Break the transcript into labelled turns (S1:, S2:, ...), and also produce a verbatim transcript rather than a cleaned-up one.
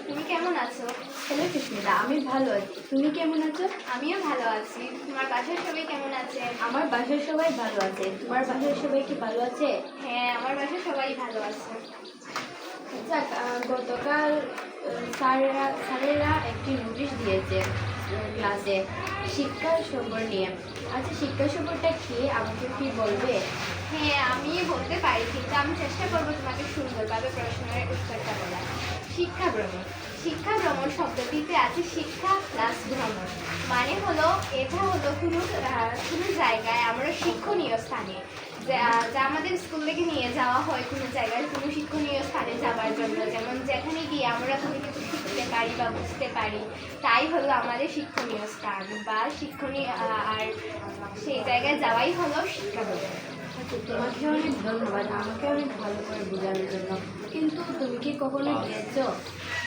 S1: তুমি কেমন আছো?
S2: হ্যালো সুস্মিতা, আমি ভালো আছি। তুমি কেমন আছো?
S1: আমিও ভালো আছি। তোমার বাসার সবাই কেমন আছে?
S2: আমার বাসার সবাই ভালো আছে। তোমার বাসার সবাই কি ভালো আছে?
S1: হ্যাঁ, আমার বাসার সবাই ভালো আছে।
S2: আচ্ছা, আহ, গতকাল আহ, স্যারেরা স্যারেরা একটি নোটিশ দিয়েছে আহ, ক্লাসে শিক্ষা সফর নিয়ে। আচ্ছা, শিক্ষা সফরটা কি আমাকে কি বলবে?
S1: হ্যাঁ, আমি বলতে পারি, কিন্তু আমি চেষ্টা করবো তোমাকে সুন্দরভাবে প্রশ্নের উত্তরটা বলা। শিক্ষা ভ্রমণ। শিক্ষা ভ্রমণ শব্দটিতে আছে শিক্ষা প্লাস ভ্রমণ। মানে হলো এটা হলো কোনো আহ, কোনো জায়গায় আমরা শিক্ষণীয় স্থানে যা যা আমাদের স্কুল থেকে নিয়ে যাওয়া হয় কোনো জায়গায় কোনো শিক্ষণীয় স্থানে যাওয়ার জন্য, যেমন যেখানে গিয়ে আমরা কোনো কিছু শিখতে পারি বা বুঝতে পারি, তাই হলো আমাদের শিক্ষণীয় স্থান বা শিক্ষণীয় আহ, আর সেই জায়গায় যাওয়াই হলো শিক্ষা ভ্রমণ।
S2: আচ্ছা, তোমাকে অনেক ধন্যবাদ আমাকে অনেক ভালো করে বোঝানোর জন্য। কিন্তু তুমি কি কখনো গিয়েছো?